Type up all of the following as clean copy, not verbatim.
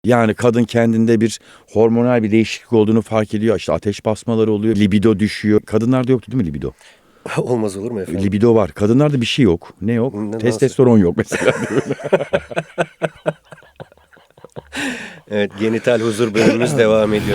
Yani kadın kendinde bir hormonal bir değişiklik olduğunu fark ediyor. İşte ateş basmaları oluyor, libido düşüyor. Kadınlarda yoktu değil mi libido? Olmaz olur mu efendim? Libido var. Kadınlarda bir şey yok. Ne yok? Nasıl? Testosteron yok mesela. Evet, genital huzur bölümümüz devam ediyor.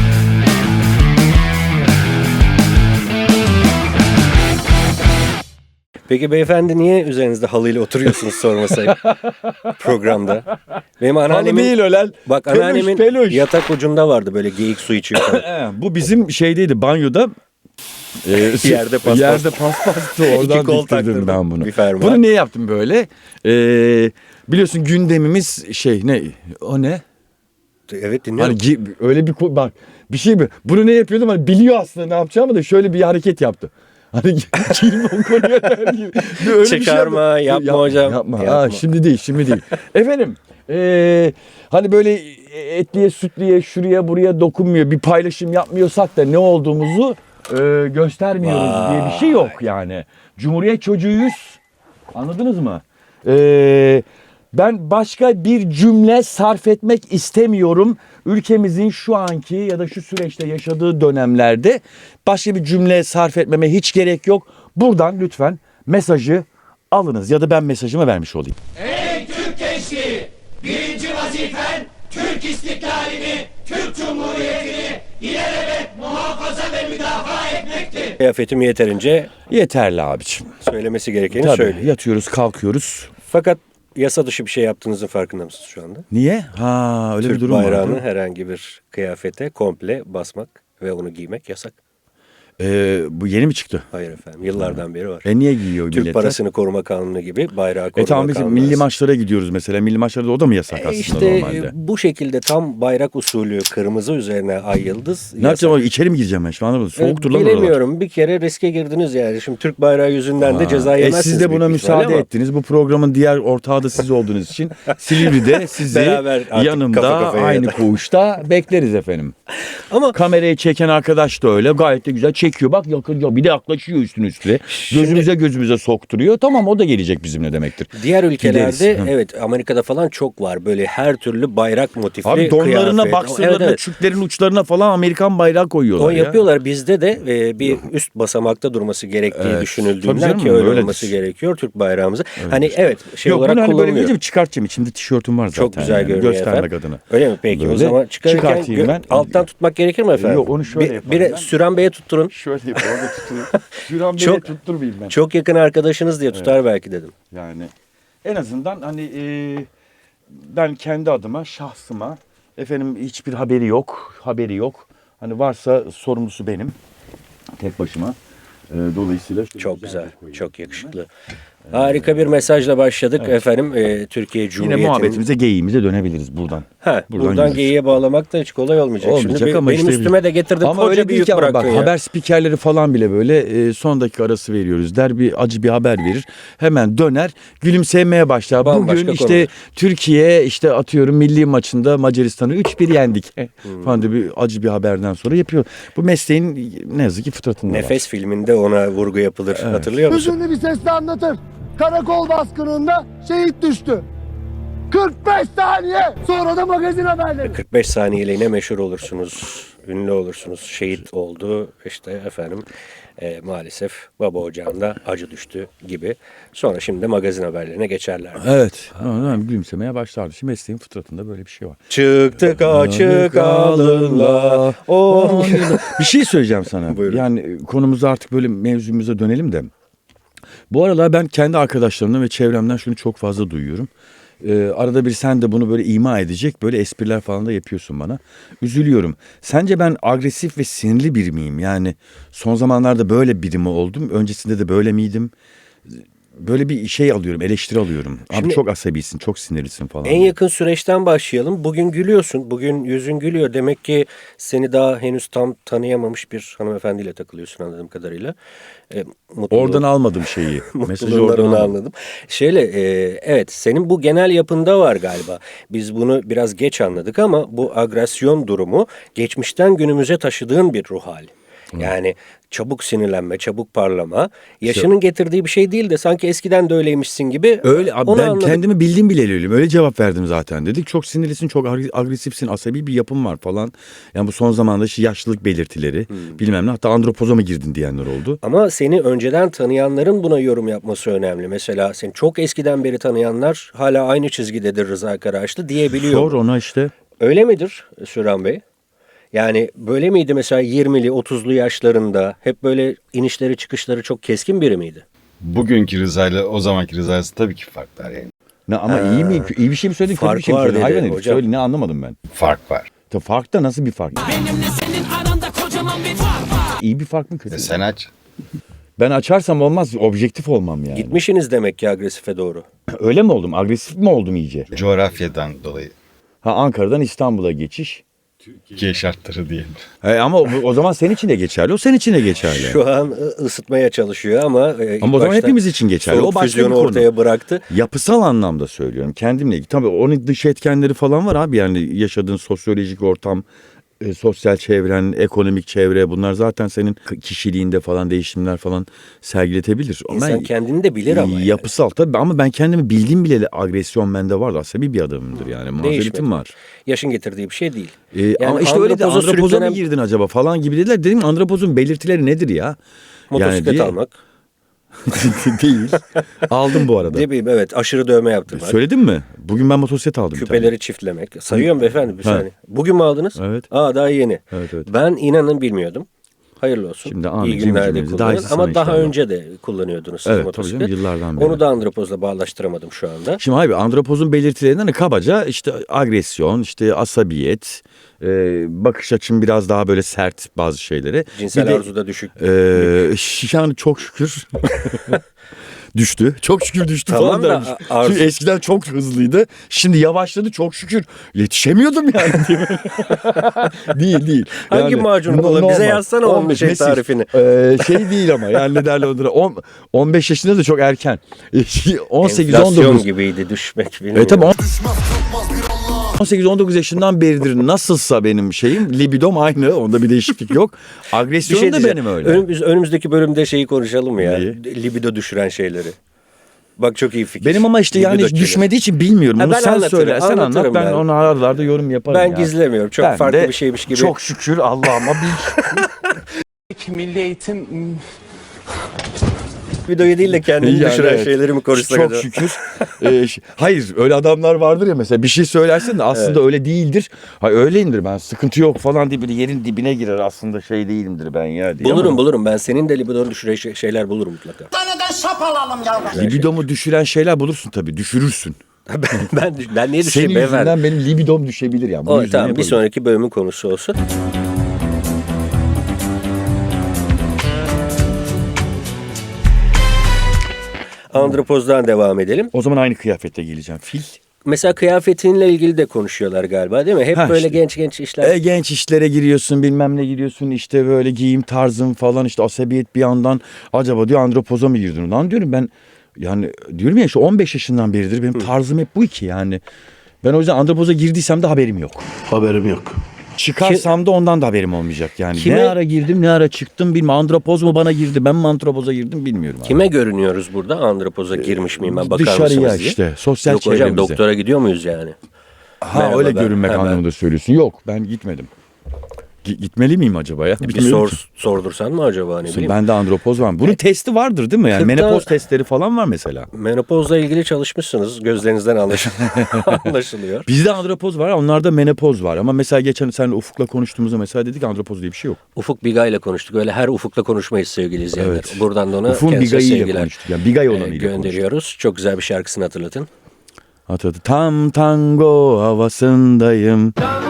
Peki beyefendi niye üzerinizde halıyla oturuyorsunuz sormasaydı programda? Benim anneannemin, değil ölen. bak Peluş, anneannemin peluş. yatak ucunda vardı böyle geyik su içiyor falan. Bu bizim şeydeydi banyoda. Yerde paspas. Yerde paspastı. Oradan kol diktirdim taktırdım. ben bunu. Bir fermuar. Bunu niye yaptım böyle? Biliyorsun gündemimiz ne? O ne? Evet, dinliyorum. Hani öyle bir bak bir şey mi? Bunu ne yapıyordum? Hani biliyor aslında ne yapacağımı da şöyle bir hareket yaptı. Hani girme o konuya der gibi. Öyle Çıkarma, bir şey yapma hocam. Yapma. Yapma. Şimdi değil. Efendim hani böyle etliye sütliye şuraya buraya dokunmuyor. Bir paylaşım yapmıyorsak da ne olduğumuzu göstermiyoruz diye bir şey yok yani. Cumhuriyet çocuğuyuz. Anladınız mı? Ben başka bir cümle sarf etmek istemiyorum. Ülkemizin şu anki ya da şu süreçte yaşadığı dönemlerde başka bir cümle sarf etmeme hiç gerek yok. Buradan lütfen mesajı alınız ya da ben mesajımı vermiş olayım. Ey Türk gençliği! Birinci vazifen Türk istiklalini, Türk Cumhuriyeti'ni ilelebet muhafaza ve müdafaa etmektir. Kıyafetim yeterince Yeterli abiciğim. söylemesi gerekeni Tabii söylüyor. yatıyoruz kalkıyoruz. Fakat yasa dışı bir şey yaptığınızın farkında mısınız şu anda? Niye? Ha öyle Türk bir durum bayrağını var. herhangi bir kıyafete komple basmak ve onu giymek yasak. Bu yeni mi çıktı? Hayır efendim, yıllardan beri var. Niye giyiyor Türk milletler? Parasını Koruma Kanunu gibi bayrağı koruma Tamam biz kanunu. milli maçlara gidiyoruz mesela. Milli maçlarda o da mı yasak aslında İşte normalde? bu şekilde tam bayrak usulü kırmızı üzerine ay yıldız. Ne yapacağım? İçeri mi gireceğim ben şu anda? Soğuktur lan oralar. Bilemiyorum. Bir kere riske girdiniz yani. Şimdi Türk bayrağı yüzünden de ceza yemezsiniz. Siz de buna büyük ihtimalle müsaade ama ettiniz. Bu programın diğer ortağı da siz olduğunuz için Silivri'de sizi Beraber artık kafa yanımda kafaya aynı yatar. koğuşta bekleriz efendim. Ama Kamerayı çeken arkadaş da öyle. Gayet de güzel çekiyor. Bak yakın bir de yaklaşıyor üstüne. Gözümüze sokturuyor. Tamam o da gelecek bizimle demektir. diğer ülkelerde Gideriz. Hı. evet, Amerika'da falan çok var. Böyle her türlü bayrak motifli Abi donlarına, kıyafet. baksırlarına, Evet, evet. çüklerin uçlarına falan Amerikan bayrağı koyuyorlar O ya. yapıyorlar. Bizde de bir üst basamakta durması gerektiği Evet. Tabii düşünüldüğünden canım, ki öyle öyledir. olması gerekiyor Türk bayrağımızı. Hani evet Yok olarak bunu hani böyle kullanılıyor. gideceğim çıkartacağım. İçimde tişörtüm var zaten. Çok güzel yani. görünüyor Göstermek efendim. adına. Öyle mi peki? O Böyle zaman çıkarırken çıkartayım ben. alttan tutmak gerekir mi efendim? Yok, onu şöyle yaparım Bir ben. Süren Bey'e tutturun. Şöyle yapayım orada tutayım. Şuran beni Çok- tutturmayayım ben. Çok yakın arkadaşınız diye tutar belki dedim. Yani en azından hani ben kendi adıma şahsıma efendim hiçbir haberi yok. Hani varsa sorumlusu benim tek başıma. Dolayısıyla Çok güzel, çok yakışıklı. Harika bir mesajla başladık efendim. Türkiye Yine Cumhuriyeti'nin... muhabbetimize geyiğimize dönebiliriz buradan. Buradan yürürüz. geyiğe bağlamak da hiç kolay olmayacak. Olmayacak Şimdi ama benim işte üstüme de getirdin, ama koca öyle bir değil yük ki ama bak bıraktın ya. haber spikerleri falan bile böyle son dakika arası veriyoruz der bir acı bir haber verir hemen döner gülümsemeye başlar. Bambaşka Bugün işte konular. Türkiye işte atıyorum milli maçında Macaristan'ı 3-1 yendik falan diye bir acı bir haberden sonra yapıyor. Bu mesleğin ne yazık ki fıtratında var. Nefes filminde ona vurgu yapılır. Hatırlıyor musun? Hüzünlü bir sesle anlatır. Karakol baskınında şehit düştü. 45 saniye sonra da magazin haberleri. 45 saniyeliğine meşhur olursunuz, ünlü olursunuz. Şehit oldu işte efendim maalesef baba ocağında acı düştü gibi. Sonra şimdi de magazin haberlerine geçerler. Evet. Gülümsemeye başlardı. Şimdi mesleğin fıtratında böyle bir şey var. Çıktık açık alınla. Bir şey söyleyeceğim sana. Buyurun. Yani konumuza artık böyle mevzumuza dönelim de. Bu aralar ben kendi arkadaşlarımdan ve çevremden şunu çok fazla duyuyorum. Arada bir sen de bunu böyle ima edecek böyle espriler falan da yapıyorsun bana. Üzülüyorum. Sence ben agresif ve sinirli biri miyim? Yani son zamanlarda böyle biri mi oldum? Öncesinde de böyle miydim? Böyle bir şey alıyorum, eleştiri alıyorum. Abi Şimdi- çok asabisin, çok sinirlisin falan. En yakın süreçten başlayalım. Bugün gülüyorsun. Bugün yüzün gülüyor. Demek ki seni daha henüz tam tanıyamamış bir hanımefendiyle takılıyorsun anladığım kadarıyla. Mutluluğu- Oradan almadım şeyi. Mesajı Mutluluğundan oradan onu almadım. anladım. Evet, senin bu genel yapında var galiba. Biz bunu biraz geç anladık ama bu agresyon durumu geçmişten günümüze taşıdığın bir ruh hali. Yani çabuk sinirlenme, çabuk parlama. Yaşının getirdiği bir şey değil de sanki eskiden de öyleymişsin gibi. Öyle abi, onu ben anladık. kendimi bildim bileli öyleyim. Öyle cevap verdim zaten. Dedik çok sinirlisin, çok agresifsin, asabi bir yapın var falan. Yani bu son zamanda işte yaşlılık belirtileri bilmem ne. Hatta andropoza mı girdin diyenler oldu. Ama seni önceden tanıyanların buna yorum yapması önemli. Mesela seni çok eskiden beri tanıyanlar hala aynı çizgidedir Rıza Karaağaçlı diyebiliyor. Sor ona işte. Öyle midir Süren Bey? Yani böyle miydi mesela 20'li 30'lu yaşlarında hep böyle inişleri çıkışları çok keskin biri miydi? Bugünkü Rıza'yla o zamanki Rıza arasında tabii ki farklar yani. Ne ama iyi mi? İyi bir şey mi söyledin? Kötü Fark bir şey mi var söyledin? dedi Hayvan herif. hocam. Söyle, ne anlamadım ben. Fark var. Fark da nasıl bir fark? Benimle senin aranda kocaman bir fark var. İyi bir fark mı kötü mü? Sen aç. Ben açarsam olmaz. Objektif olmam yani. Gitmişsiniz demek ki agresife doğru. Öyle mi oldum? Agresif mi oldum iyice? Coğrafyadan dolayı. Ha, Ankara'dan İstanbul'a geçiş. Türkiye şartları diyelim. Ama o zaman senin için de geçerli. O senin için de geçerli. Şu an ısıtmaya çalışıyor ama ilk Ama o zaman başta hepimiz için geçerli. soğuk O başka bir füzyonu konu. ortaya bıraktı. Yapısal anlamda söylüyorum. Kendimle ilgili. Tabii onun dış etkenleri falan var abi. Yani yaşadığın sosyolojik ortam, sosyal çevren, ekonomik çevre, bunlar zaten senin kişiliğinde falan değişimler falan sergiletebilir. İnsan kendini de bilir ama yani. Yapısal tabii, ama ben kendimi bildiğim bileli agresyon bende var. Asabi bir adamımdır yani. Mazeretim Değişmedi. var. Yaşın getirdiği bir şey değil. Ama işte öyle de andropoza andropoza mı sürüklenen girdin acaba falan gibi dediler. Dedim andropozun belirtileri nedir ya? motosiklet diye- almak. Değil. Aldım bu arada. Ne bileyim evet aşırı dövme yaptırmak. Söyledim mi? Bugün ben motosiklet aldım bir tane. Küpeleri çiftlemek. Sayıyorum beyefendi bir Ha. saniye. Bugün mü aldınız? Evet. Daha yeni. Evet, evet. Ben inanın bilmiyordum. Hayırlı olsun. Şimdi amin, İyi günler de cimricimizi, daha kullanın. iyisi Ama sana daha inşallah. önce de kullanıyordunuz siz Evet, tabii motosiklet. canım, yıllardan beri. Onu da andropozla bağlaştıramadım şu anda. Şimdi abi, andropozun belirtilerinden hani kabaca işte agresyon, işte asabiyet, bakış açım biraz daha böyle sert bazı şeylere. Cinsel Bir de, arzuda düşük. yani çok şükür düştü. Çok şükür düştü Tamam falan da dermiş. arzu- Çünkü eskiden çok hızlıydı. Şimdi yavaşladı çok şükür. Yetişemiyordum yani. Değil. Hangi Yani, macunu kullan? Bize yazsana onun şey Mesih. tarifini. Şey değil ama yani ne derler onlara. 15 yaşında da çok erken. 18-19. Enflasyon gibiydi düşmek bilmiyorum. Tabii 18-19 yaşından beridir nasılsa benim şeyim, libidom aynı, onda bir değişiklik yok. Bir Agresyon şey da diyeceğim. benim öyle. Önümüzdeki bölümde şeyi konuşalım ya. Neyi? Libido düşüren şeyleri. Bak çok iyi fikir. Benim ama işte yani Libido hiç killer. düşmediği için bilmiyorum. Ha, Bunu ben sen anlatırım, söyle, sen anlat, anlatırım ben yani. onu aralarda yorum yaparım Ben ya. gizlemiyorum. Çok Ben farklı de bir şeymiş gibi. Çok şükür Allah'ıma Milli Eğitim Libidoyu değil de kendini Yani düşüren evet. şeyleri mi konuşsak Çok acaba? şükür. Hayır, öyle adamlar vardır ya, mesela bir şey söylersin de aslında öyle değildir. Hayır, öyleyimdir ben, sıkıntı yok falan diye böyle yerin dibine girer, aslında şey değilimdir ben ya diye. Bulurum. Ben senin de libidonu düşüren şeyler bulurum mutlaka. taneden şap alalım yavrum. Libidomu düşüren şeyler bulursun tabii, düşürürsün. ben niye Senin düşeyim beyefendi? yüzünden benim libidom düşebilir yani. Bunun O, yüzünden tamam bir yapabilirim. sonraki bölümün konusu olsun. Andropozdan devam edelim. O zaman aynı kıyafette geleceğim. Fil. Mesela kıyafetinle ilgili de konuşuyorlar galiba değil mi? Hep Ha, böyle işte. genç işler. Genç işlere giriyorsun, bilmem ne giriyorsun, işte böyle giyim tarzın falan, işte asabiyet bir yandan, acaba diyor andropoza mı girdin? Lan diyorum ben, yani diyorum ya, şu 15 yaşından beridir benim tarzım hep bu iki yani. Ben o yüzden andropoza girdiysem de haberim yok. Haberim yok. Çıkarsam da ondan da haberim olmayacak yani. Kime- Ne ara girdim, ne ara çıktım bilmiyorum. Andropoz mu bana girdi, ben mi andropoza girdim bilmiyorum. abi. Kime görünüyoruz burada? Andropoza girmiş miyim ben, bakar Dışarıya mısınız diye. işte, sosyal Yok hocam, çevremize. doktora gidiyor muyuz yani? Ha, Merhaba, öyle ben- görünmek ha, ben- anlamında söylüyorsun. Yok, ben gitmedim. Gitmeli miyim acaba ya? Bir Bilmiyorum ki. sordursan mı acaba, ne bileyim. Bende andropoz var mı? Bunun testi vardır değil mi? Yani 40'ta menopoz testleri falan var mesela. Menopozla ilgili çalışmışsınız. Gözlerinizden anlaşılıyor. Bizde andropoz var, onlarda menopoz var. Ama mesela geçen sen Ufuk'la konuştuğumuzda mesela dedik andropoz diye bir şey yok. Ufuk Bigay ile konuştuk. Öyle her Ufuk'la konuşmayız sevgili izleyenler. Evet. Buradan da ona Ufuk'un kendisine Bigay'ı ile sevgiler konuştuk. Yani Bigay olanıyla konuştuk. gönderiyoruz. Çok güzel bir şarkısını hatırlatın. Hatırladı. Tam tango havasındayım.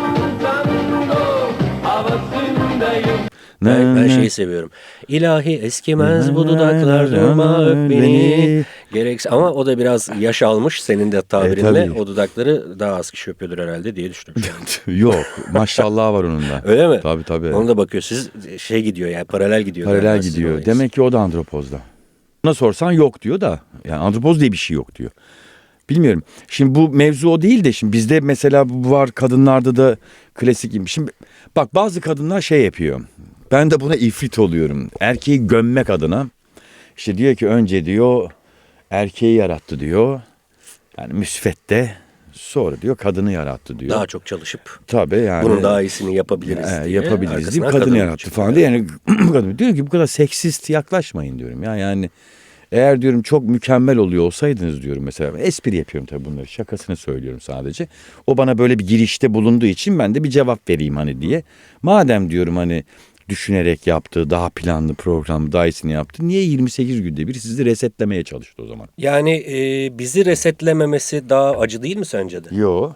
Ben şeyi seviyorum. İlahi eskimez bu dudaklar durma öp beni. Gerekse ama o da biraz yaş almış senin de tabirinle. tabii. O dudakları daha az kişi öpüyordur herhalde diye düşünüyorum şu an. Yok, maşallah var onun da. Öyle mi? Tabii. Ona da bakıyor. Siz şey gidiyor yani paralel gidiyor. Paralel galiba sizin gidiyor. olayınız. Demek ki o da andropozda. Ona sorsan yok diyor da. Yani andropoz diye bir şey yok diyor. Bilmiyorum. Şimdi bu mevzu o değil de, şimdi bizde mesela bu var, kadınlarda da klasik gibi. Şimdi bak, bazı kadınlar şey yapıyor. Ben de buna ifrit oluyorum. Erkeği gömmek adına. İşte diyor ki önce diyor erkeği yarattı diyor. Yani müsvedde. Sonra diyor kadını yarattı diyor. Daha çok çalışıp Tabii yani. bunun daha iyisini yapabiliriz diye. Yapabiliriz arkasından diye kadını kadın yarattı çıkıyor. falan diye. Yani kadın diyor ki bu kadar seksist yaklaşmayın diyorum. Yani eğer diyorum çok mükemmel oluyor olsaydınız diyorum mesela. Espri yapıyorum tabii bunları. Şakasını söylüyorum sadece. O bana böyle bir girişte bulunduğu için ben de bir cevap vereyim hani diye. Madem diyorum hani düşünerek yaptı, daha planlı programı, daha iyisini yaptı. Niye 28 günde bir sizi resetlemeye çalıştı o zaman? Yani bizi resetlememesi daha acı değil mi sence de? Yo.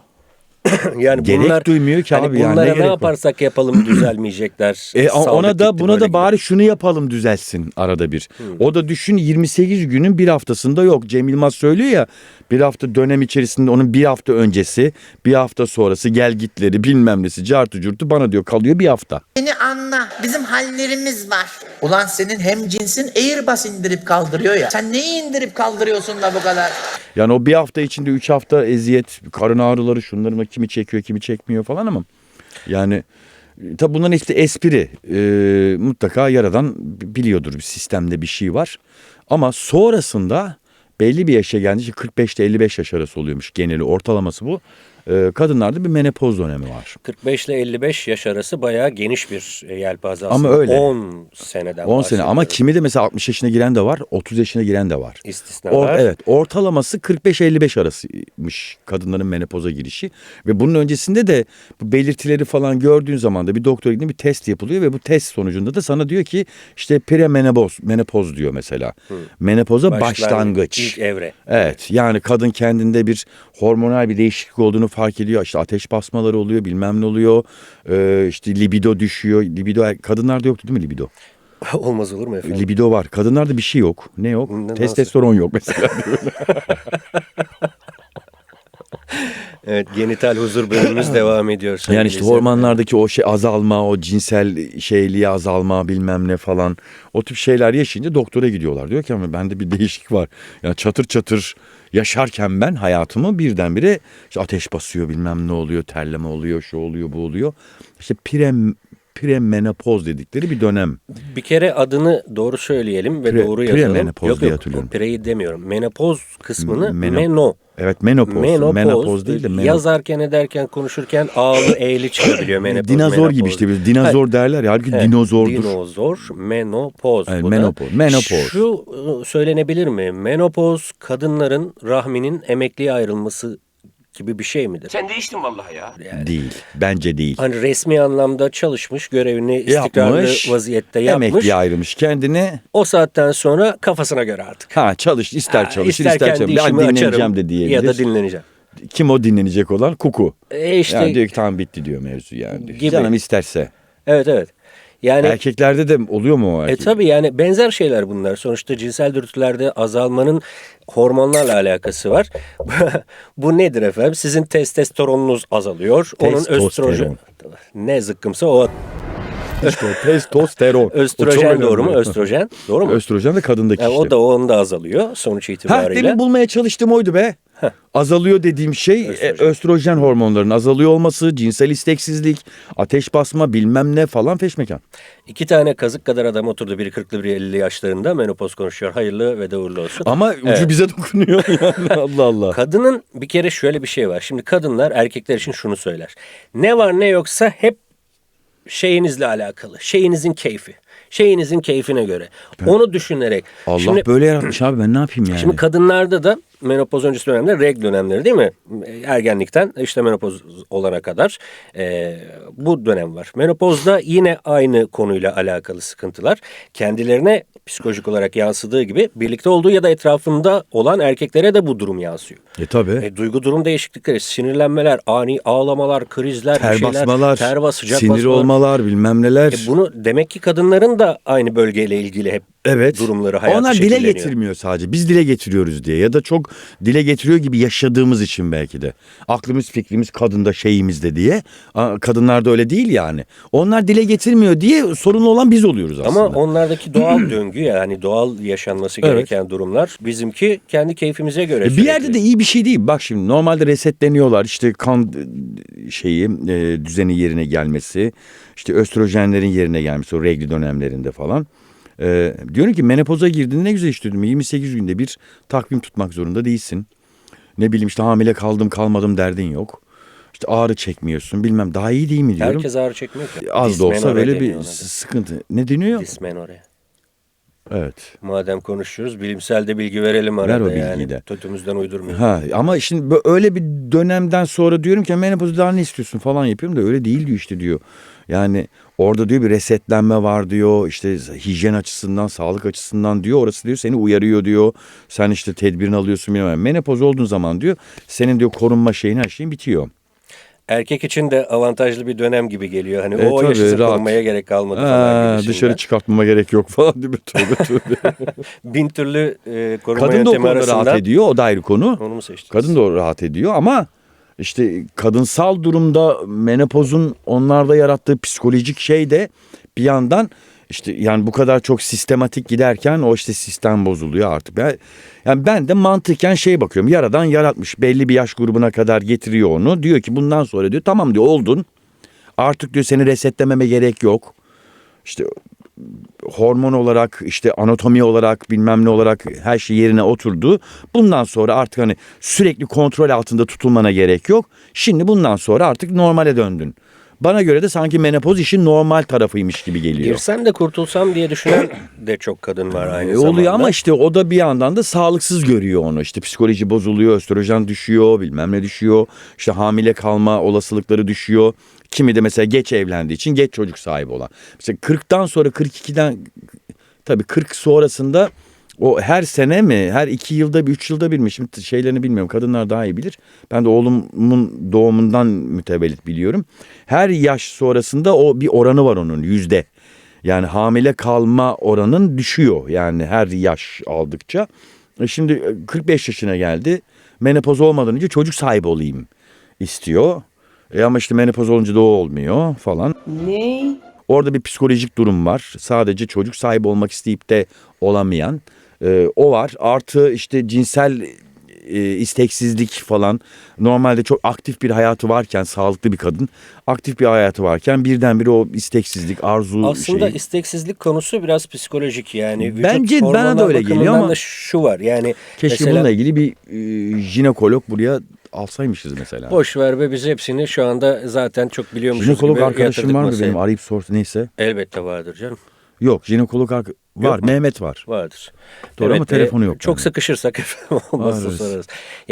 Yani Gerek bunlar, duymuyor ki hani abi yani, ne bunlara ne gerek var? yaparsak yapalım düzelmeyecekler. Ona Saldık da gitti buna böyle da bari şunu yapalım düzelsin arada bir. O da düşün 28 günün bir haftasında yok. Cem Yılmaz söylüyor ya bir hafta dönem içerisinde onun bir hafta öncesi, bir hafta sonrası gel gitleri bilmem nesi cartı curtu bana diyor kalıyor bir hafta. Beni anla. Bizim hallerimiz var. Ulan senin hem cinsin Airbus indirip kaldırıyor ya. Sen neyi indirip kaldırıyorsun da bu kadar? Yani o bir hafta içinde 3 hafta eziyet, karın ağrıları şunların kimi çekiyor kimi çekmiyor falan ama yani tabi bunların hepsi espri. Mutlaka yaradan biliyordur bir sistemde bir şey var. Ama sonrasında belli bir yaşa gelince 45 ile 55 yaş arası oluyormuş geneli ortalaması bu. Kadınlarda bir menopoz dönemi var. 45 ile 55 yaş arası bayağı geniş bir yelpaze Ama aslında. öyle. 10 seneden 10 sene ama bahsediyoruz. kimi de mesela 60 yaşına giren de var, 30 yaşına giren de var. İstisnalar. Evet, ortalaması 45-55 arasıymış kadınların menopoza girişi ve bunun öncesinde de bu belirtileri falan gördüğün zaman da bir doktora gidip bir test yapılıyor ve bu test sonucunda da sana diyor ki işte menopoz diyor mesela. Menopoza başlangıç. İlk evre. Evet, yani kadın kendinde bir hormonal bir değişiklik olduğunu fark ediyor. İşte ateş basmaları oluyor, bilmem ne oluyor. İşte libido düşüyor. Libido kadınlarda yoktu değil mi libido? Olmaz olur mu efendim? Libido var. Kadınlarda bir şey yok. Ne yok? Nasıl? Testosteron yok mesela. Evet, genital huzur bölümümüz devam ediyor. Yani sevgili işte izleyenler. hormonlardaki o şey azalma, o cinsel şeyliği azalma bilmem ne falan. O tip şeyler yaşayınca doktora gidiyorlar. Diyor ki ama bende bir değişik var. Yani çatır çatır yaşarken ben hayatımı birdenbire işte ateş basıyor bilmem ne oluyor, terleme oluyor, şu oluyor, bu oluyor. İşte premenopoz dedikleri bir dönem. Bir kere adını doğru söyleyelim ve doğru yazalım. Premenopoz diye hatırlıyorum. Preyi demiyorum. Menopoz kısmını Meno- meno. Evet menopoz. Menopoz değil de Yazarken ederken konuşurken ağlı eğli çıkabiliyor menopoz. dinozor menopoz. gibi işte. Dinozor derler ya. Halbuki Evet, dinozordur. Dinozor, menopoz. Evet, bu da. menopoz. Şu söylenebilir mi? Menopoz kadınların rahminin emekliye ayrılması gibi bir şey midir? Sen değiştin vallahi ya. Değil. Bence değil. Hani resmi anlamda çalışmış, görevini istikrarlı Yapmış, vaziyette yapmış. emekliye ayrılmış kendini. O saatten sonra kafasına göre artık. Çalış, ister çalışır, İster ister kendi çalışır. Ben işimi dinleneceğim açarım de diyebilir. ya da dinleneceğim. Kim o dinlenecek olan? Kuku. İşte Yani diyor ki tamam bitti diyor mevzu yani. Gibi. Canım isterse. evet. Yani Erkeklerde de oluyor mu o erkek? tabii yani benzer şeyler bunlar. Sonuçta cinsel dürtülerde azalmanın hormonlarla alakası var. Bu nedir efendim? Sizin testosteronunuz azalıyor. Onun Testosteron. östrojen. Ne zıkkımsa o. İşte o testosteron. O çok Östrojen önemli. doğru mu? Östrojen doğru mu? Östrojen de kadındaki Yani işte. onu da azalıyor sonuç itibariyle. Demin bulmaya çalıştım oydu be. Azalıyor dediğim şey östrojen hormonlarının azalıyor olması, cinsel isteksizlik, ateş basma bilmem ne falan feşmekan. 2 tane kazık kadar adam oturdu. Biri 40'lı biri 50'li yaşlarında menopoz konuşuyor. Hayırlı ve de uğurlu olsun. Ama ucu bize dokunuyor yani Allah Allah. Kadının bir kere şöyle bir şey var. Şimdi kadınlar erkekler için şunu söyler. Ne var ne yoksa hep şeyinizle alakalı. Şeyinizin keyfi. Şeyinizin keyfine göre. Onu düşünerek. Allah Şimdi, böyle yaratmış abi ben ne yapayım yani? Şimdi kadınlarda da menopoz öncesi dönemde regl dönemleri değil mi? Ergenlikten işte menopoz olana kadar bu dönem var. Menopozda yine aynı konuyla alakalı sıkıntılar kendilerine psikolojik olarak yansıdığı gibi birlikte olduğu ya da etrafında olan erkeklere de bu durum yansıyor. Tabii. Duygu durum değişiklikleri, sinirlenmeler, ani ağlamalar, krizler, bir Ter şeyler, basmalar, sıcak sinir basmalar. olmalar bilmem neler. Bunu demek ki kadınların da aynı bölgeyle ilgili hep Evet. durumları, hayatı Onlar dile şekilleniyor. getirmiyor sadece. Biz dile getiriyoruz diye ya da çok dile getiriyor gibi yaşadığımız için belki de. Aklımız fikrimiz kadında şeyimizde diye. Kadınlarda öyle değil yani. Onlar dile getirmiyor diye sorunlu olan biz oluyoruz aslında. Ama onlardaki doğal döngü, yani doğal yaşanması Evet. gereken durumlar, bizimki kendi keyfimize göre Bir sürekli. yerde de iyi bir şey değil. Bak şimdi normalde resetleniyorlar. İşte kan düzeni yerine gelmesi, işte östrojenlerin yerine gelmesi o regl dönemlerinde falan. Diyorum ki menopoza girdiğinde ne güzel işte diyorum. 28 günde bir takvim tutmak zorunda değilsin. Ne bileyim işte hamile kaldım kalmadım derdin yok. İşte ağrı çekmiyorsun bilmem daha iyi değil mi diyorum. Herkes ağrı çekmiyor ki. Az da olsa Dismenore böyle bir deniyor ona da. sıkıntı. Ne deniyor? Dismenore. Evet. Madem konuşuyoruz, bilimsel de bilgi verelim arada. Ver o bilgiyi yani. de. Tötümüzden uydurmayalım. Ha ama şimdi öyle bir dönemden sonra diyorum ki menopozu daha ne istiyorsun falan yapıyorum da öyle değil diyor işte diyor. Yani orada diyor bir resetlenme var diyor işte hijyen açısından sağlık açısından diyor orası diyor seni uyarıyor diyor. Sen işte tedbirini alıyorsun bilmem. Menopoz olduğun zaman diyor senin diyor korunma şeyin her şeyin bitiyor. Erkek için de avantajlı bir dönem gibi geliyor. Hani o tabii, yaşısı rahat. korunmaya gerek kalmadı falan gibisinden. Dışarı çıkartmama gerek yok falan değil mi? Tövbe tövbe. Bin türlü koruma Kadın da o yöntemi konuda arasından. rahat ediyor o da ayrı konu. Onu mu seçtiniz? Kadın da rahat ediyor ama işte kadınsal durumda menopozun onlarda yarattığı psikolojik şey de bir yandan işte yani bu kadar çok sistematik giderken o işte sistem bozuluyor artık. Yani ben de mantıken bakıyorum yaradan yaratmış belli bir yaş grubuna kadar getiriyor onu diyor ki bundan sonra diyor tamam diyor oldun artık diyor seni resetlememe gerek yok. İşte hormon olarak işte anatomi olarak bilmem ne olarak her şey yerine oturdu. Bundan sonra artık hani sürekli kontrol altında tutulmana gerek yok. Şimdi bundan sonra artık normale döndün. Bana göre de sanki menopoz işin normal tarafıymış gibi geliyor. Girsem de kurtulsam diye düşünen de çok kadın var aynı zamanda. Oluyor ama işte o da bir yandan da sağlıksız görüyor onu. İşte psikoloji bozuluyor, östrojen düşüyor, bilmem ne düşüyor. İşte hamile kalma olasılıkları düşüyor. Kimi de mesela geç evlendiği için geç çocuk sahibi olan. Mesela 40'tan sonra 42'den tabii 40 sonrasında o her sene mi her 2 yılda bir 3 yılda bir mi şimdi şeylerini bilmiyorum kadınlar daha iyi bilir. Ben de oğlumun doğumundan mütevellit biliyorum. Her yaş sonrasında o bir oranı var onun yüzde. Yani hamile kalma oranın düşüyor yani her yaş aldıkça. Şimdi 45 yaşına geldi menopoz olmadan önce çocuk sahibi olayım istiyor. Ama işte menopoz olunca da o olmuyor falan. Ne? Orada bir psikolojik durum var. Sadece çocuk sahibi olmak isteyip de olamayan o var. Artı işte cinsel isteksizlik falan. Normalde çok aktif bir hayatı varken sağlıklı bir kadın aktif bir hayatı varken birdenbire o isteksizlik, arzu Aslında isteksizlik konusu biraz psikolojik yani. Vücut Bence bana da hormonal öyle geliyor bakımından ama da şu var yani. Keşke mesela, bununla ilgili bir jinekolog buraya alsaymışız mesela. boş ver be biz hepsini şu anda zaten çok biliyormuşuz Jinekolog gibi arkadaşım yatırdık var mı masaya. benim arayıp sorsa neyse. Elbette vardır canım. Yok jinekolog var Yok mu? Mehmet var. Vardır. Doğru ama telefonu yok Çok bende. sıkışırsak efendim olmazsa Ararız. sorarız.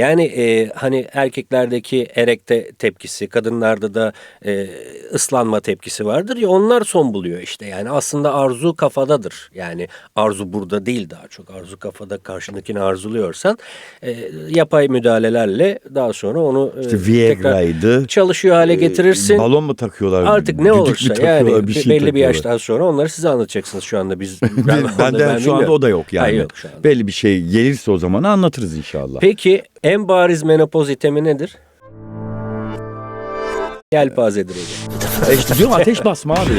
Yani hani erkeklerdeki erekte tepkisi, kadınlarda da ıslanma tepkisi vardır ya onlar son buluyor işte. Yani aslında arzu kafadadır. Yani arzu burada değil daha çok. Arzu kafada karşındakini arzuluyorsan yapay müdahalelerle daha sonra onu İşte tekrar Viagra'ydı. çalışıyor hale getirirsin. Balon mu takıyorlar? Artık ne düdük mü olursa takıyorlar, yani bir şey belli bir takıyorlar. yaştan sonra onları size anlatacaksınız şu anda biz. Benden şu anda o da yok yani. Hayır, yok şu anda. Belli bir şey gelirse o zaman anlatırız inşallah. Peki en bariz menopoz itemi nedir? Yelpazedir hocam. İşte diyorum ateş basma abi.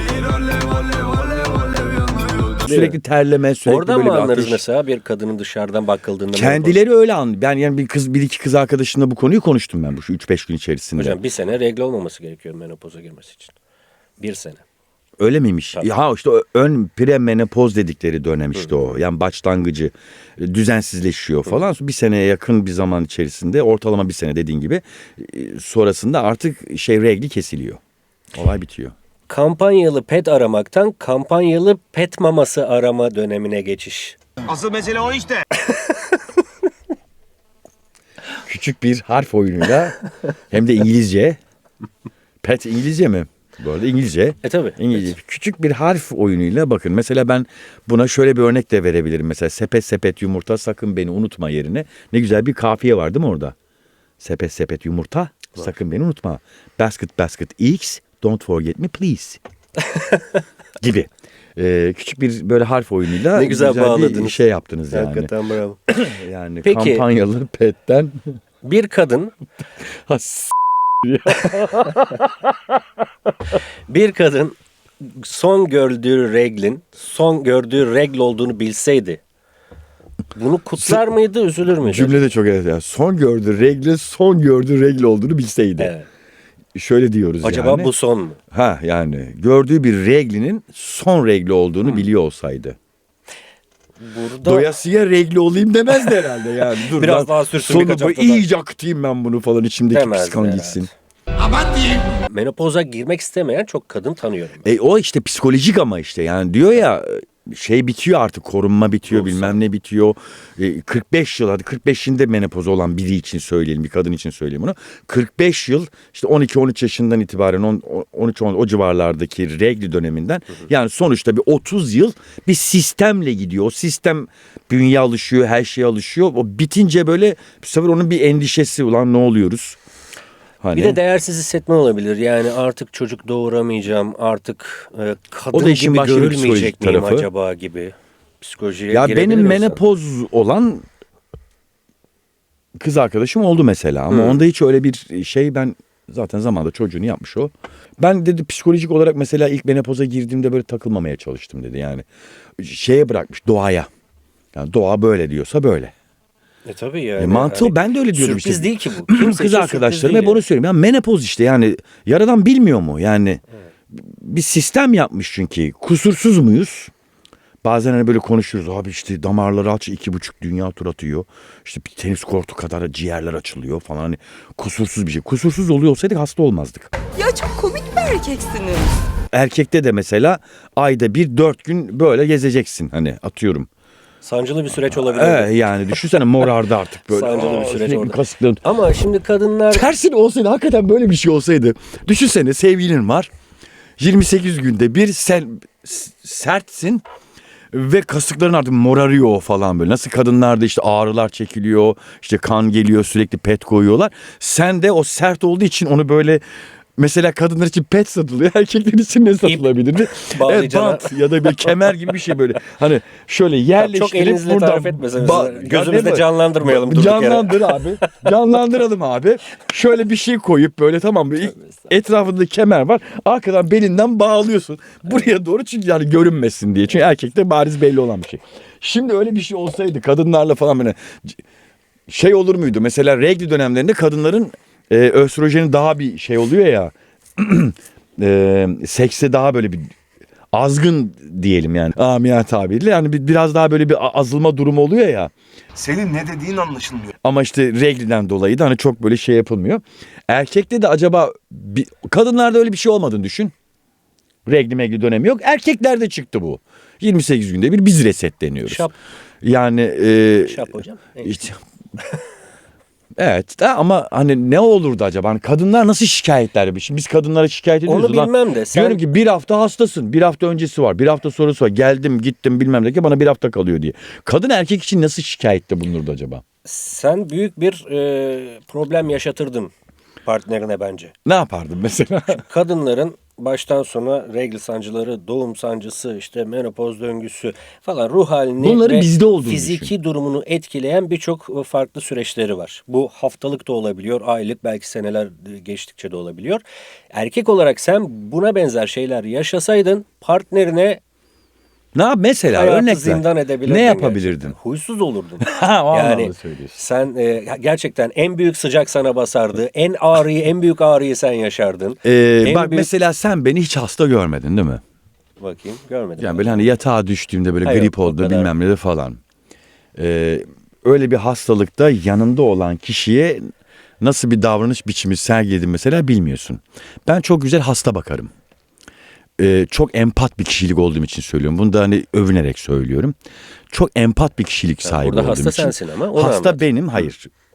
Sürekli terleme, sürekli Oradan böyle mı bir anlarız ateş. mesela bir kadının dışarıdan bakıldığında? Kendileri öyle an. Ben yani bir iki kız arkadaşımla bu konuyu konuştum ben bu şu 3-5 gün içerisinde. Hocam bir sene regle olmaması gerekiyor menopoza girmesi için. Bir sene. Öyle miymiş? Tabii. Ya işte ön premenopoz dedikleri dönem işte o. Yani başlangıcı düzensizleşiyor falan. Bir seneye yakın bir zaman içerisinde ortalama bir sene dediğin gibi sonrasında artık regli kesiliyor. Olay bitiyor. Kampanyalı pet aramaktan kampanyalı pet maması arama dönemine geçiş. Asıl mesele o işte. Küçük bir harf oyunuyla hem de İngilizce. Pet İngilizce mi? Bu arada İngilizce. Tabii. İngilizce. Küçük bir harf oyunuyla bakın. Mesela ben buna şöyle bir örnek de verebilirim. Mesela sepet sepet yumurta sakın beni unutma yerine. Ne güzel bir kafiye var değil mi orada? Sepet sepet yumurta sakın beni unutma. Basket basket eggs don't forget me please. Gibi. Küçük bir böyle harf oyunuyla Ne güzel bir bağladınız. şey yaptınız yani. Hakikaten bravo. Yani Peki. kampanyalı petten. Bir kadın Bir kadın son gördüğü regl olduğunu bilseydi bunu kutlar mıydı, üzülür müydü? Cümle de çok evet. Yani son gördüğü regl olduğunu bilseydi. Evet. Şöyle diyoruz Acaba yani. bu son mu? Ha yani gördüğü bir reglinin son regli olduğunu biliyor olsaydı. Burada Doyasıya regli olayım demezdi herhalde yani. Dur Biraz lan, daha sürsün sonu birkaç bu hafta iyice akıtayım ben bunu falan içimdeki Demezdi psikan herhalde. gitsin. menopoza girmek istemeyen çok kadın tanıyorum. O işte psikolojik ama işte yani diyor ya şey bitiyor artık, korunma bitiyor, bilmem ne bitiyor. 45 yıl, hadi 45'inde menopoz olan biri için söyleyelim, bir kadın için söyleyeyim bunu. 45 yıl işte 12-13 yaşından itibaren 13 o civarlardaki regl döneminden yani sonuçta bir 30 yıl bir sistemle gidiyor. O sistem bünye alışıyor, her şeye alışıyor. O bitince böyle bu sefer onun bir endişesi, ulan ne oluyoruz? Hani Bir de değersiz hissetme olabilir. Yani artık çocuk doğuramayacağım, artık kadın O da işin gibi başka bir görülmeyecek psikolojik miyim tarafı. acaba gibi psikolojiye ya girebilir benim insan. menopoz olan kız arkadaşım oldu mesela ama onda hiç öyle bir şey, ben zaten zamanında çocuğunu yapmış o. Ben dedi psikolojik olarak mesela ilk menopoza girdiğimde böyle takılmamaya çalıştım dedi yani. Şeye bırakmış, doğaya. Yani doğa böyle diyorsa böyle. Tabii yani. Mantığı hani ben de öyle diyordum sürpriz işte. değil ki bu. Kimse için Kız sürpriz arkadaşlarım değil hep onu söylüyorum. Ya menopoz işte yani yaradan bilmiyor mu? Yani bir sistem yapmış çünkü. Kusursuz muyuz? Bazen hani böyle konuşuruz. Abi işte damarları aç 2,5 dünya tur atıyor. İşte bir tenis kortu kadar ciğerler açılıyor falan. Hani kusursuz bir şey. Kusursuz oluyor olsaydık hasta olmazdık. Ya çok komik bir erkeksiniz. Erkekte de mesela ayda 4 gün böyle gezeceksin. Hani atıyorum. Sancılı bir süreç olabilir. Yani düşünsene morardı artık böyle. Sancılı bir süreç sürekli orada. kasıkların. Ama şimdi kadınlar Tersine olsaydı, hakikaten böyle bir şey olsaydı. Düşünsene sevgilin var. 28 günde bir sen sertsin ve kasıkların artık morarıyor falan böyle. Nasıl kadınlarda işte ağrılar çekiliyor, işte kan geliyor, sürekli pet koyuyorlar. Sen de o sert olduğu için onu böyle, mesela kadınlar için pet satılıyor. Erkekler için ne satılabilirdi? bağlayacağına- Bant ya da bir kemer gibi bir şey böyle. Hani şöyle yerleştirip çok elinizle tarif etmeseniz, gözümüzde ne bu? canlandırmayalım durduk yere. Canlandır abi. Canlandıralım abi. Şöyle bir şey koyup böyle, tamam mı? Etrafında kemer var. Arkadan belinden bağlıyorsun. Buraya doğru, çünkü yani görünmesin diye. Çünkü erkekte bariz belli olan bir şey. Şimdi öyle bir şey olsaydı kadınlarla falan böyle şey olur muydu? Mesela regl dönemlerinde kadınların östrojeni daha bir şey oluyor ya. Sekste daha böyle bir azgın diyelim yani. Amiyane tabiriyle yani biraz daha böyle bir azalma durumu oluyor ya. Senin ne dediğin anlaşılmıyor. Ama işte regliden dolayı da hani çok böyle şey yapılmıyor. Erkekte de acaba kadınlarda öyle bir şey olmadığını düşün. Regli dönemi yok. Erkeklerde çıktı bu. 28 günde bir biz resetleniyoruz. Şap. Yani Şap hocam. işte, evet ama hani ne olurdu acaba? Hani kadınlar nasıl şikayetler? Şimdi biz kadınlara şikayet ediyoruz. Onu bilmem de sen- Diyorum ki bir hafta hastasın. Bir hafta öncesi var. Bir hafta sonrası var. Geldim gittim bilmem ne ki bana bir hafta kalıyor diye. Kadın erkek için nasıl şikayette bulunurdu acaba? Sen büyük bir problem yaşatırdın partnerine bence. Ne yapardın mesela? Kadınların baştan sona regl sancıları, doğum sancısı, işte menopoz döngüsü falan ruh halini Bunların ve bizde olduğunu fiziki durumunu etkileyen birçok farklı süreçleri var. Bu haftalık da olabiliyor, aylık, belki seneler geçtikçe de olabiliyor. Erkek olarak sen buna benzer şeyler yaşasaydın partnerine Ne yap mesela, hayatı örnek ver. zindan edebilirdin. Ne yapabilirdin? Gerçekten. Huysuz olurdun. Ha, o Yani anlamda söylüyorsun. sen gerçekten en büyük sıcak sana basardı. En büyük ağrıyı sen yaşardın. En Bak büyük- mesela sen beni hiç hasta görmedin değil mi? Bakayım, görmedim. Yani böyle hani yatağa düştüğümde böyle Hayır, grip o oldu kadar. bilmem ne de falan. Öyle bir hastalıkta yanında olan kişiye nasıl bir davranış biçimi sergiledin mesela bilmiyorsun. Ben çok güzel hasta bakarım. Çok empat bir kişilik olduğum için söylüyorum. Bunu da hani övünerek söylüyorum. Çok empat bir kişilik sahibi burada olduğum hasta için. sensin ama onu Hasta anlat. benim, hayır.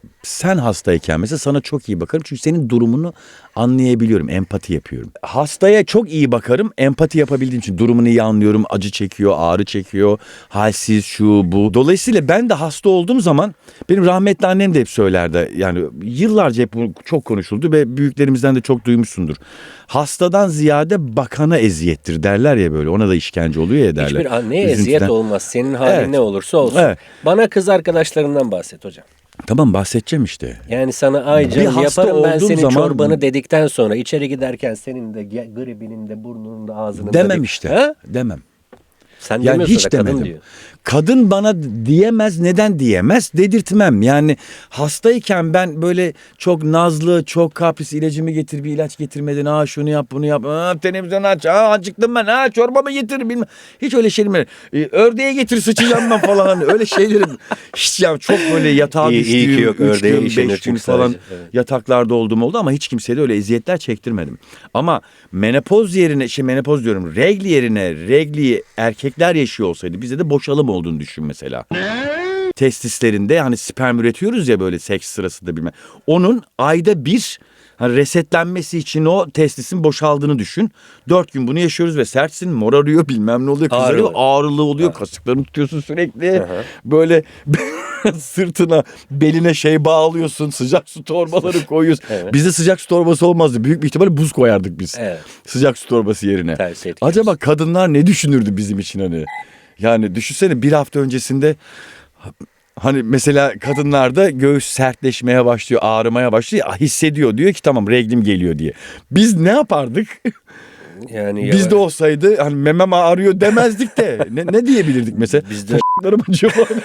sen hastayken mesela sana çok iyi bakarım. Çünkü senin durumunu anlayabiliyorum. Empati yapıyorum. Hastaya çok iyi bakarım. Empati yapabildiğim için durumunu iyi anlıyorum. Acı çekiyor, ağrı çekiyor. Halsiz, şu bu. Dolayısıyla ben de hasta olduğum zaman benim rahmetli annem de hep söylerdi. Yani yıllarca hep bu çok konuşuldu ve büyüklerimizden de çok duymuşsundur. Hastadan ziyade bakana eziyettir derler ya böyle. Ona da işkence oluyor ya derler. Hiçbir anneye Üzüntüden. eziyet olmaz. Senin halin Evet. ne olursa olsun. Evet. Bana kız arkadaşlarından bahset hocam. Tamam bahsedeceğim işte. Yani sana ay Bir canım hasta yaparım ben olduğum senin zaman- çorbanı dedikten sonra içeri giderken senin de gribinin de burnunun da ağzının da Demem işte. Ha? Demem. Sen Yani demiyorsun hiç da kadın demedim. diyor. Kadın bana diyemez. Neden diyemez? Dedirtmem. Yani hastayken ben böyle çok nazlı, çok kapris, ilacımı getir, bir ilaç getirmeden şunu yap, bunu yap. Televizyon aç. Acıktım ben. Çorbamı getir bilmem. Hiç öyle şeyim yok. Ördeğe getir sıçacağım ben falan. Hani öyle şeylerim hiç ya çok böyle yatağa İyi ki düştüğüm yok, 3 ördeğe gün, işenir 5 gün çünkü falan sadece. Evet. yataklarda olduğum oldu ama hiç kimseye de öyle eziyetler çektirmedim. Ama menopoz yerine menopoz diyorum regl yerine regliyi erkekler yaşıyor olsaydı bize de boşalım olduğunu düşün mesela. Testislerinde hani sperm üretiyoruz ya böyle seks sırasında bilmem. Onun ayda bir hani resetlenmesi için o testisin boşaldığını düşün. 4 gün bunu yaşıyoruz ve sertsin, morarıyor bilmem ne oluyor. Kızarıyor, ağrılı oluyor. Kasıklarını tutuyorsun sürekli. Böyle sırtına, beline şey bağlıyorsun. Sıcak su torbaları koyuyorsun. Evet. Bizde sıcak su torbası olmazdı. Büyük bir ihtimalle buz koyardık biz. Evet. Sıcak su torbası yerine. Tersi etkiliyorsun. Acaba kadınlar ne düşünürdü bizim için hani? Yani düşünsene bir hafta öncesinde hani mesela kadınlarda göğüs sertleşmeye başlıyor, ağrımaya başlıyor. Hissediyor diyor ki tamam reglim geliyor diye. Biz ne yapardık? Yani Bizde olsaydı hani memem ağrıyor demezdik de ne diyebilirdik mesela? Bizde Larım acıyor falan.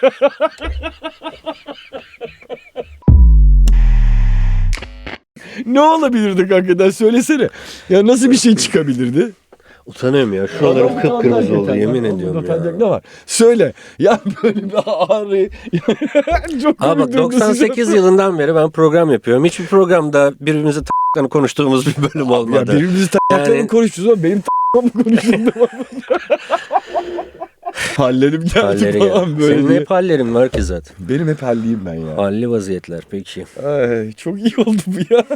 Ne olabilirdik hakikaten söylesene. Ya nasıl bir şey çıkabilirdi? utanıyorum ya. Şuralarım kıpkırmızı oldu yemin ediyorum Utanacak ya. ne var? Söyle. Ya böyle bir ağrı. Çok Abi bak komik durumda 98 yılından beri ben program yapıyorum. Hiçbir programda birbirimizi konuştuğumuz bir bölüm Ya olmadı. birbirimizi takmakla mı konuşuyoruz ama benim mı konuşuyordu? Hallerim geldi Halleri falan ya. böyle Senin diye. hep hallerin var ki zaten. Benim hep halliyim ben ya. Halli vaziyetler peki. Ay, çok iyi oldu bu ya.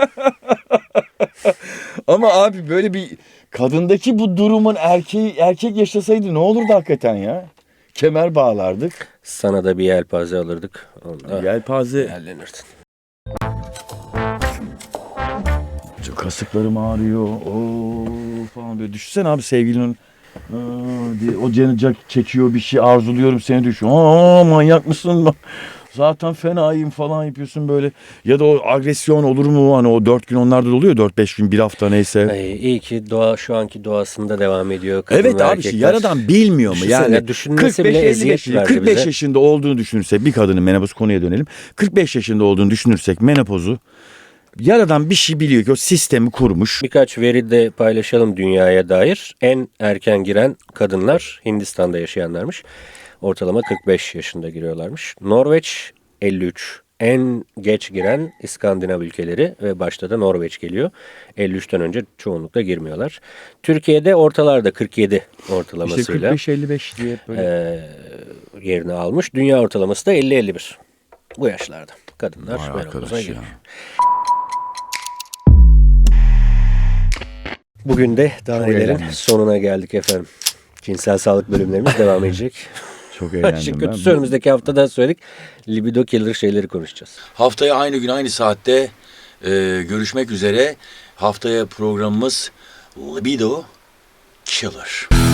Ama abi böyle bir kadındaki bu durumun erkek yaşasaydı ne olurdu hakikaten ya? Kemer bağlardık. Sana da bir yelpaze alırdık. Onda Yelpaze. yerlenirdin. Kasıklarım ağrıyor. Falan böyle düşünsene abi sevgilinin diye o canı çekiyor bir şey arzuluyorum seni düşün. Manyak mısın? Zaten fenayım falan yapıyorsun böyle. Ya da o agresyon olur mu? Hani o 4 gün onlarda da oluyor. 4-5 gün bir hafta neyse. İyi ki doğa şu anki doğasında devam ediyor. Kadın Evet ve abi erkekler. yaradan bilmiyor mu? Düşünsene, Yani düşünmesi bile eziyet verdi 45 bize. yaşında olduğunu düşünürsek bir kadının menopoz konuya dönelim. 45 yaşında olduğunu düşünürsek menopozu yaradan bir şey biliyor ki o sistemi kurmuş. Birkaç veri de paylaşalım dünyaya dair. En erken giren kadınlar Hindistan'da yaşayanlarmış. Ortalama 45 yaşında giriyorlarmış. Norveç 53. En geç giren İskandinav ülkeleri ve başta da Norveç geliyor. 53'ten önce çoğunlukla girmiyorlar. Türkiye'de ortalarda 47 ortalamasıyla İşte 45-55 diye böyle. yerini almış. Dünya ortalaması da 50-51. Bu yaşlarda kadınlar Vay menopoza arkadaş giriyor. ya. Bugün de Danelerin eğlendim. sonuna geldik efendim. Cinsel sağlık bölümlerimiz devam edecek. Çok İşin eğlendim ben. kötüsü önümüzdeki hafta da söyledik. Libido killer şeyleri konuşacağız. Haftaya aynı gün aynı saatte görüşmek üzere. Haftaya programımız Libido Killer.